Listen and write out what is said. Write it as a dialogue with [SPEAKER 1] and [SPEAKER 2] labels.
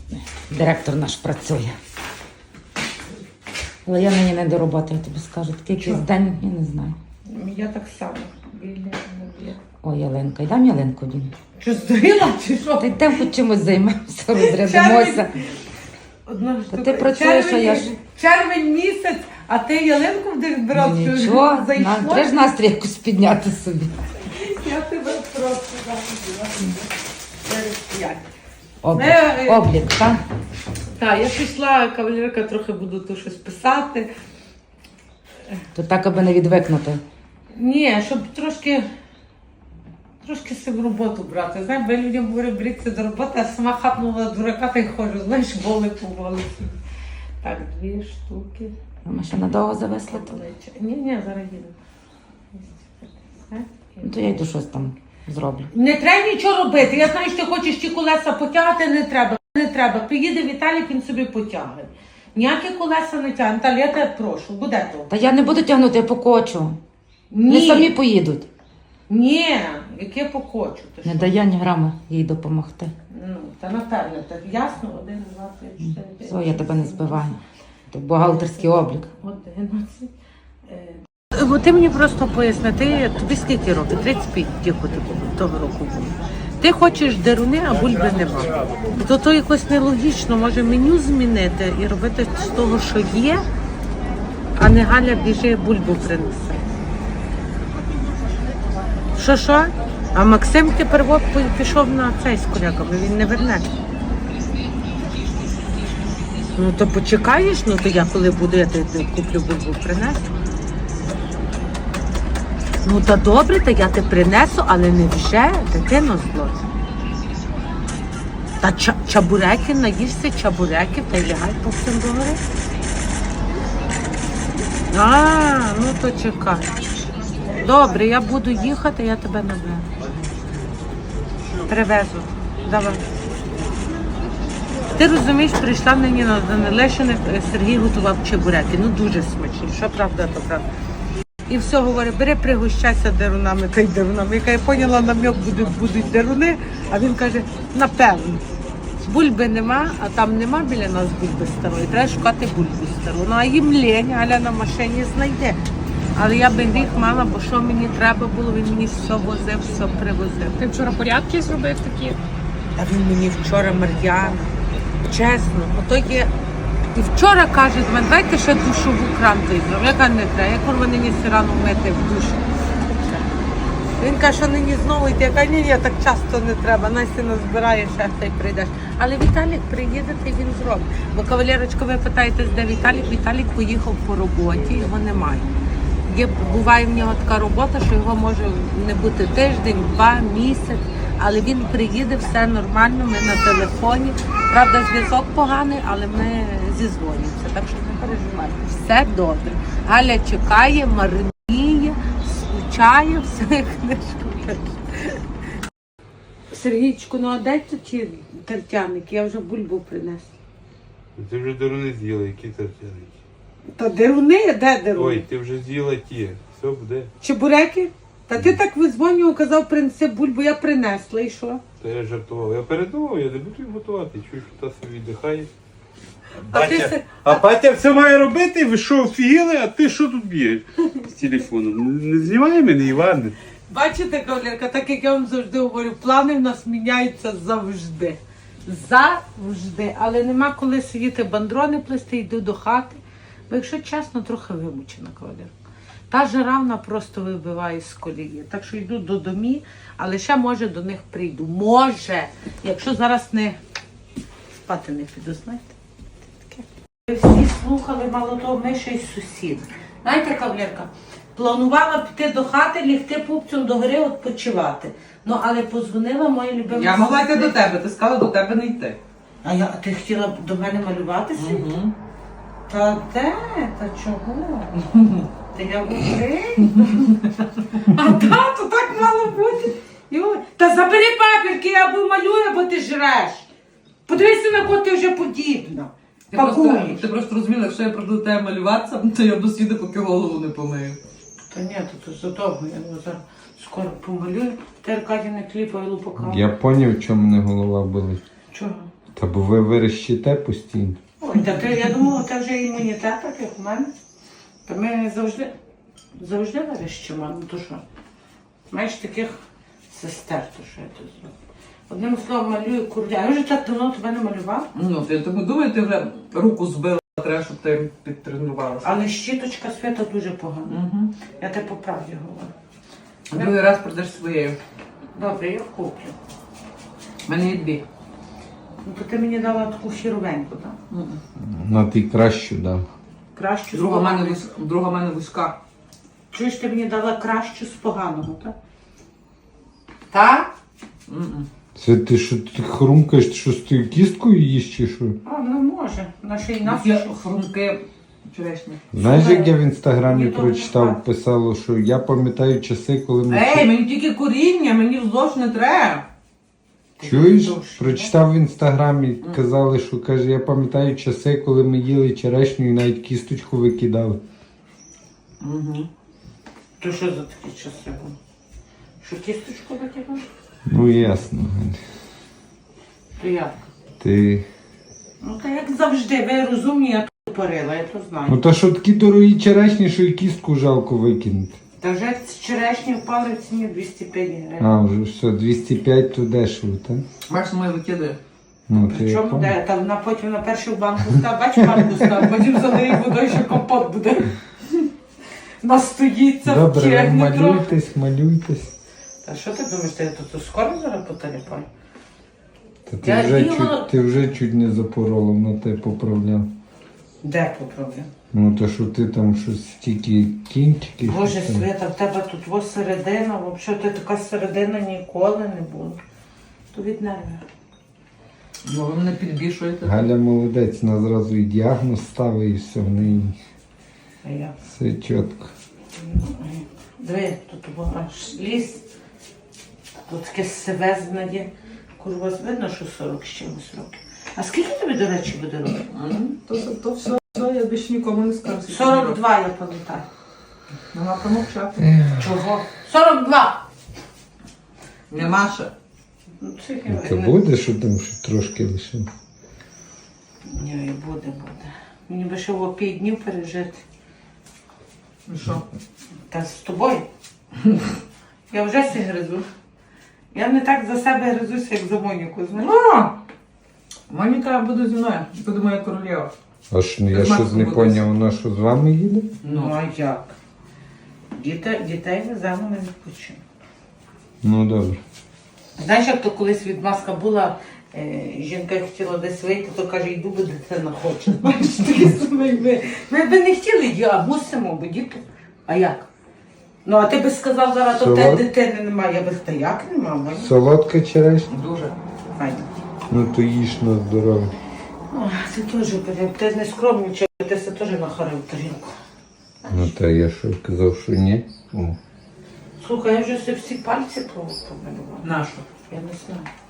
[SPEAKER 1] Директор наш працює. Але я нині не до роботи, я тобі скажу. Такий якийсь день, я не знаю.
[SPEAKER 2] Я так само.
[SPEAKER 1] Ой, Ялинка, йдемо Ялинку дім.
[SPEAKER 2] Що, здуріла чи що?
[SPEAKER 1] Та йдемо хоч чимось займемося, розрядимося.
[SPEAKER 2] Одна штука.
[SPEAKER 1] ти працюєш, а я ж...
[SPEAKER 2] Червень місяць, а ти ялинку будеш збирати?
[SPEAKER 1] Нічого, треба ж настрій якось підняти собі.
[SPEAKER 2] Я тебе просто забула.
[SPEAKER 1] Облік, так?
[SPEAKER 2] Так, я пішла, кавалерка, трохи буду тут щось писати.
[SPEAKER 1] То так, аби не відвикнути.
[SPEAKER 2] Ні, щоб трошки себе роботу брати. Знаєш, бо я людям говорю, беріться до роботи, а сама хапнула дурака та й ходжу, знаєш, воли по вулиці. Так, 2 штуки.
[SPEAKER 1] А ми ще надовго зависли тут?
[SPEAKER 2] Ні, зараз їду.
[SPEAKER 1] Ну, то я йду щось там зроблю.
[SPEAKER 2] Не треба нічого робити. Я знаю, що ти хочеш ті колеса потягати, не треба. Не треба. Приїде Віталік, він собі потягне. Ніякі колеса не тягне. Наталя, я тебе прошу, буде то.
[SPEAKER 1] Та я не буду тягнути, я покочу.
[SPEAKER 2] Ні.
[SPEAKER 1] Вони самі поїдуть.
[SPEAKER 2] Ні, яке покочу. Ти
[SPEAKER 1] Не
[SPEAKER 2] що?
[SPEAKER 1] дає ні грама їй допомогти.
[SPEAKER 2] Ну, та напевно, так ясно, 1, 2, 3, 4, 5.
[SPEAKER 1] Все, я тебе не збиваю. Це бухгалтерський облік.
[SPEAKER 2] 11. Бо ти мені просто поясни, тобі скільки років? 35 тільки того року було. Ти хочеш деруни, а бульби нема. То якось нелогічно, може меню змінити і робити з того, що є, а не Галя біжи бульбу принесе. Що? А Максим тепер пішов на цей з коляками, він не верне. Ну то почекаєш, ну то я коли буду, я тебе куплю бульбу, принесу. Ну та добре, та я тебе принесу, але не вже, дитино зло. Та чабуреки, наїшся чабуреків, та й лягай по всім догори. Ну то чекай. Добре, я буду їхати, я тебе наберу. Привезу. Давай. Ти розумієш, прийшла мені на Лещини, Сергій готував чебуреки. Ну дуже смачні, що правда, то правда. І все, говорить, бери, пригощайся дерунами та й дерунами. Яка я поняла, намек будуть деруни, а він каже, напевно. Бульби нема, а там нема біля нас бульби старої. Треба шукати бульбу стару. Ну а їм лень, Галя на машині знайде. Але я би гріх мала, бо що мені треба було, він мені все возив, все привозив.
[SPEAKER 3] Ти вчора порядки зробив такі?
[SPEAKER 2] А він мені вчора, Мар'яна, чесно, ото є. І вчора каже до мене, дайте ще душову кран візьмемо. Яка не треба, я курва нині все рано мити в душі. Він каже, що нині знову йти. Я кажу, ні, так часто не треба, Настя назбирає, ще та й прийдеш. Але Віталік приїде, та й він зробить. Бо, кавалерочка, ви питаєтесь, де Віталік? Віталік поїхав по роботі, його немає. Буває в нього така робота, що його може не бути тиждень, 2, місяць, але він приїде, все нормально, ми на телефоні. Правда, зв'язок поганий, але ми зізвонюємося, так що не переживайте. Все добре. Галя чекає, марніє, скучає, все книжку. Сергійчику, ну а дай тут ті тертяники, я вже бульбу принесла.
[SPEAKER 4] Ти вже деруни з'їла, які тертяники?
[SPEAKER 2] Та деруни? Де деруни?
[SPEAKER 4] Ой, ти вже з'їла ті. Все буде.
[SPEAKER 2] Чебуреки? Та ти так визвонював, казав, принеси бульбу, я принесла, і що?
[SPEAKER 4] Та я жартував. Я передумав, я не буду їх готувати. Чую, що та собі віддихає.
[SPEAKER 2] А
[SPEAKER 4] Батя все має робити, ви що, офігіли, а ти що тут б'єш з телефоном? Не знімай мене, Іване.
[SPEAKER 2] бачите, кавалерка, так як я вам завжди говорю, плани в нас міняються завжди. Завжди. Але нема коли сидіти бандрони плести, йду до хати. Бо якщо чесно, трохи вимучена, кавалерка. Та жара вона просто вибиває з колії. Так що йду до домі, але ще може до них прийду. Може, якщо зараз не спати не піду, знаєте. Ви всі слухали, мало того, ми ще й сусід. Знаєте, кавалерка, планувала піти до хати, лягти пупцем до гори, відпочивати. Ну, але позвонила моя любима.
[SPEAKER 5] Я могла йти до тебе, ти сказала до тебе не йти.
[SPEAKER 2] А ти хотіла до мене малюватися?
[SPEAKER 5] Угу.
[SPEAKER 2] Та де? Та чого? Та я в Україні. А тато так мало бути. Та забери папірки, я або малюю, або ти жреш. Подивися, на кого ти вже подібна.
[SPEAKER 5] Ти просто розуміла, якщо я прийду до тебе малюватися, то я досвіду, поки голову не помию.
[SPEAKER 2] Та ні, то задовго, я його зараз скоро помалюю. Ти, Аркадій, не кліпай лупака.
[SPEAKER 6] Я поняв, чому мене голова болить.
[SPEAKER 2] Чого?
[SPEAKER 6] Та бо ви верещите постійно.
[SPEAKER 2] Ой, та ти, я думала, це вже імунітет, так як у мене. Та ми завжди верещимо, ну то що? Маєш таких сестер, то що я тут зроблю. Одним словом, малюю курдя. Я вже так давно тебе не малювала,
[SPEAKER 5] Ну, я тому думаю, ти вже руку збила, треба, щоб ти підтренувалася.
[SPEAKER 2] але щіточка Свята дуже погана.
[SPEAKER 5] Угу.
[SPEAKER 2] Я тебе по правді говорю.
[SPEAKER 5] Другий раз прийдеш своєю.
[SPEAKER 2] Добре, я куплю.
[SPEAKER 5] У мене є дві.
[SPEAKER 2] Ну, то ти мені дала таку хіровеньку, так?
[SPEAKER 6] На ти кращу дав.
[SPEAKER 2] Кращу
[SPEAKER 5] Друга в мене
[SPEAKER 2] поганого.
[SPEAKER 5] друга в мене вузька.
[SPEAKER 2] Чуєш, ти мені дала кращу з поганого, так? Так?
[SPEAKER 5] Мгм.
[SPEAKER 6] Це ти що ти хрумкаєш, ти що з тою кісткою їш чи що?
[SPEAKER 2] А, ну може. Наша і нас.
[SPEAKER 5] Є хрумки черешні.
[SPEAKER 6] Знаєш, як я в інстаграмі
[SPEAKER 2] Мені добре
[SPEAKER 6] прочитав,
[SPEAKER 2] спати.
[SPEAKER 6] писало, що я пам'ятаю часи, коли ми.
[SPEAKER 5] Ей, мені тільки коріння, мені вздовж не треба.
[SPEAKER 6] Чуєш?
[SPEAKER 2] Вздовж,
[SPEAKER 6] Прочитав в інстаграмі, казали, що каже, я пам'ятаю часи, коли ми їли черешню і навіть кісточку викидали.
[SPEAKER 5] Угу.
[SPEAKER 2] То що за такі часи були? Що кісточку викидав?
[SPEAKER 6] Ну ясно, Галь.
[SPEAKER 2] То як?
[SPEAKER 6] Ти.
[SPEAKER 2] Ну та як завжди, ви розумні, я тупорила, я то знаю.
[SPEAKER 6] Ну та що такі дорогі черешні, що і кістку жалко викинути.
[SPEAKER 2] Та вже черешні впали в ціні 205 гривень.
[SPEAKER 6] А, вже все, 205 то дешево, так?
[SPEAKER 5] Бачиш, моє викидає.
[SPEAKER 6] Ну, то я
[SPEAKER 2] Причому
[SPEAKER 6] пам'ятаю.
[SPEAKER 2] де? Та вона потім на першу банку став, бач банку став, потім залиє водою, що компот буде. Настоїться,
[SPEAKER 6] Добре, ви
[SPEAKER 2] втягне трохи.
[SPEAKER 6] малюйтесь.
[SPEAKER 2] Та що ти думаєш, ти тут скоро зараз поталіпаю?
[SPEAKER 6] Та ти
[SPEAKER 2] Я
[SPEAKER 6] вже,
[SPEAKER 2] їла-
[SPEAKER 6] ти вже чуть не запоролов, на те поправляв.
[SPEAKER 2] Де поправляв?
[SPEAKER 6] Ну то що ти там щось тільки кінчики.
[SPEAKER 2] Боже,
[SPEAKER 6] щось там.
[SPEAKER 2] Свята, в тебе тут ось середина, взагалі ти така середина ніколи не була. То від нервів.
[SPEAKER 5] Ну, ви мене підбішуєте.
[SPEAKER 6] Галя молодець, вона зразу і діагноз ставить, і все, в неї
[SPEAKER 2] А я.
[SPEAKER 6] все чітко.
[SPEAKER 2] Диви, тут було аж ліс. Тут таке сивезне є. Курва, видно, що 40 з чимось років. А скільки тобі, до речі, буде років?
[SPEAKER 5] То все, я більше нікому не скажу.
[SPEAKER 2] 42, я пам'ятаю.
[SPEAKER 5] Нема промовчати.
[SPEAKER 2] Чого? 42!
[SPEAKER 5] Нема ще.
[SPEAKER 2] Ну, це
[SPEAKER 6] Це буде, що там ще трошки лише.
[SPEAKER 2] Ні, буде. Мені би ще в 5 днів пережити.
[SPEAKER 5] І що?
[SPEAKER 2] Та з тобою. Я вже сі гризу. Я не так за себе гризуся, як за Моніку, знаєш?
[SPEAKER 5] Моніка буде зі мною. Буде моя королева.
[SPEAKER 6] А що, я
[SPEAKER 5] Ти
[SPEAKER 6] щось
[SPEAKER 5] Максу
[SPEAKER 6] не
[SPEAKER 5] будеш.
[SPEAKER 6] поняв, вона що з вами їде?
[SPEAKER 2] Ну, а як? Дітей веземо на відпочинок.
[SPEAKER 6] Ну добре.
[SPEAKER 2] Знаєш, як то колись відмазка була, жінка хотіла десь вийти, то каже, йду, бо дитина хоче. Знаєш, такі самі ми. Ми би не хотіли, а мусимо, бо діти. А як? Ну, а ти би сказав зараз, то в тебе дитини немає. Я би сказала, та як нема?
[SPEAKER 6] Солодка черешня?
[SPEAKER 5] Дуже.
[SPEAKER 2] Файно.
[SPEAKER 6] Ну то їж на здоров'я.
[SPEAKER 2] О, ти теж бери, ти не скромничай, ти все теж нахарив тарілку.
[SPEAKER 6] Ну та я що казав, що ні. О.
[SPEAKER 2] Слухай, я вже всі пальці помилувала.
[SPEAKER 5] Нашу.
[SPEAKER 2] Я не знаю.